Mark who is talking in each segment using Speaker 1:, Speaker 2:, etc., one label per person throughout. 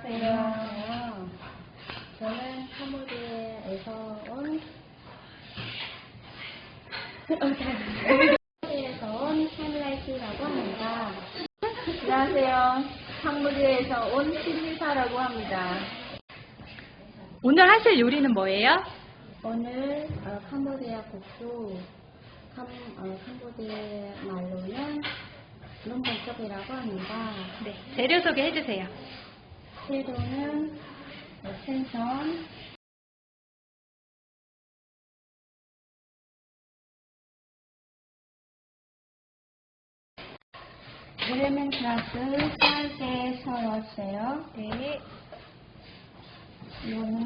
Speaker 1: 안녕하세요. 저는 캄보디아에서 온 캄라이티라고 합니다.
Speaker 2: 안녕하세요. 캄보디아에서 온 신리사라고 합니다.
Speaker 3: 오늘 하실 요리는 뭐예요?
Speaker 1: 오늘 캄보디아 국수, 캄보디아 말로는 룸번쩍이라고 합니다.
Speaker 3: 네, 재료 소개해 주세요.
Speaker 1: 재료는 생선, 레몬그라스 짧게 썰었어요.
Speaker 3: 네.
Speaker 1: 이거는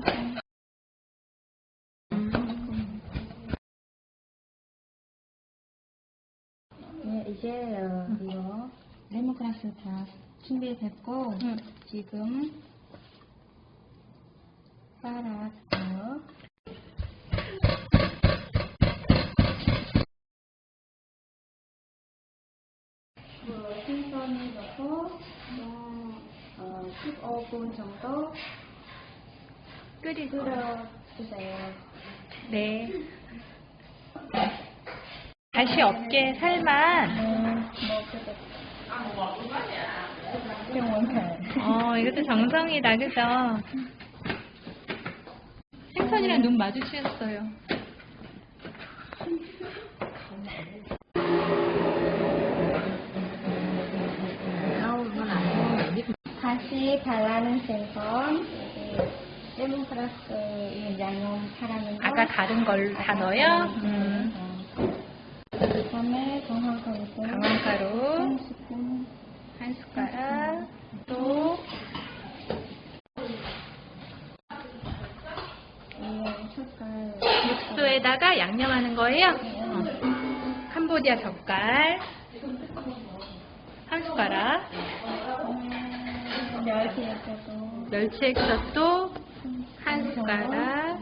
Speaker 1: 네, 이제 이거 레몬그라스 다 준비됐고 지금 쌀았어요. 생선을 넣고 15분 정도 끓여주세요.
Speaker 3: 네. 다시 없게 살만. 이것도 정성이다, 그죠? 생선이랑 눈 마주치셨어요.
Speaker 1: 다시 갈라낸 생선, 레몬그라스 양념 파라는 거.
Speaker 3: 아까 다른 걸 다 넣어요?
Speaker 1: 그다음에 강황가루.
Speaker 3: 강황가루
Speaker 1: 한 스푼.
Speaker 3: 한 숟가락. 또
Speaker 1: 숟갈.
Speaker 3: 육수에다가 양념하는 거예요? 캄보디아 젓갈 한 숟가락. 멸치 액젓도 한 숟가락.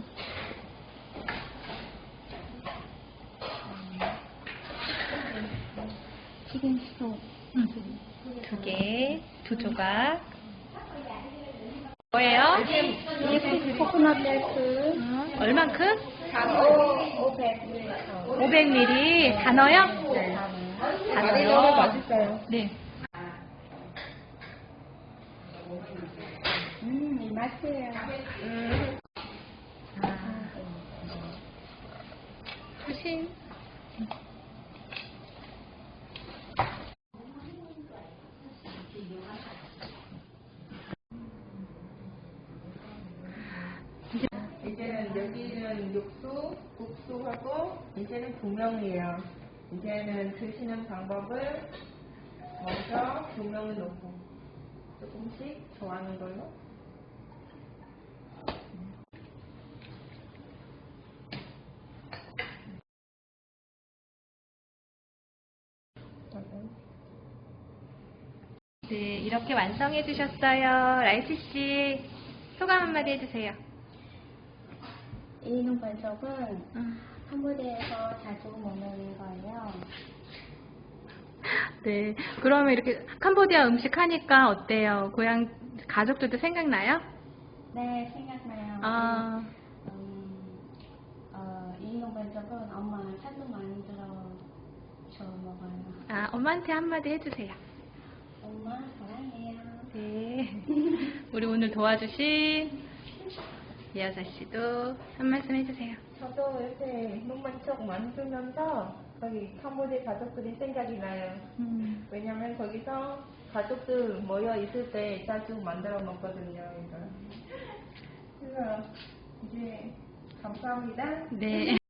Speaker 1: 치킨 스톡.
Speaker 3: 2개, 2조각. 뭐예요?
Speaker 1: 코코넛 밀크.
Speaker 3: 얼만큼?
Speaker 1: 500ml.
Speaker 3: 500ml. 다 넣어요?
Speaker 1: 네.
Speaker 3: 다 넣어요.
Speaker 1: 맛있어요.
Speaker 3: 네.
Speaker 1: 이 맛이에요.
Speaker 3: 조심.
Speaker 2: 이제는 여기는 육수, 국수하고 이제는 분명이에요. 이제는 드시는 방법을 먼저 분명을 넣고 조금씩 좋아하는 걸로.
Speaker 3: 네, 이렇게 완성해 주셨어요. 라이트 씨, 소감 한마디 해주세요.
Speaker 1: 이 눈반석은 캄보디아에서 자주 먹는 거예요.
Speaker 3: 네, 그러면 이렇게 캄보디아 음식 하니까 어때요? 고향 가족들도 생각나요?
Speaker 1: 네, 생각나요. 이 눈반석은 엄마 자주 만들어서 먹어요.
Speaker 3: 엄마한테 한마디 해주세요.
Speaker 1: 엄마 사랑해요.
Speaker 3: 네. 우리 오늘 도와주신 이여사 씨도 한 말씀 해주세요.
Speaker 2: 저도 이렇게 눈만쩍 만들면서 거기 캄보디아 가족들이 생각이 나요. 왜냐면 거기서 가족들 모여 있을 때 자주 만들어 먹거든요. 이거. 그래서 이제 감사합니다.
Speaker 3: 네.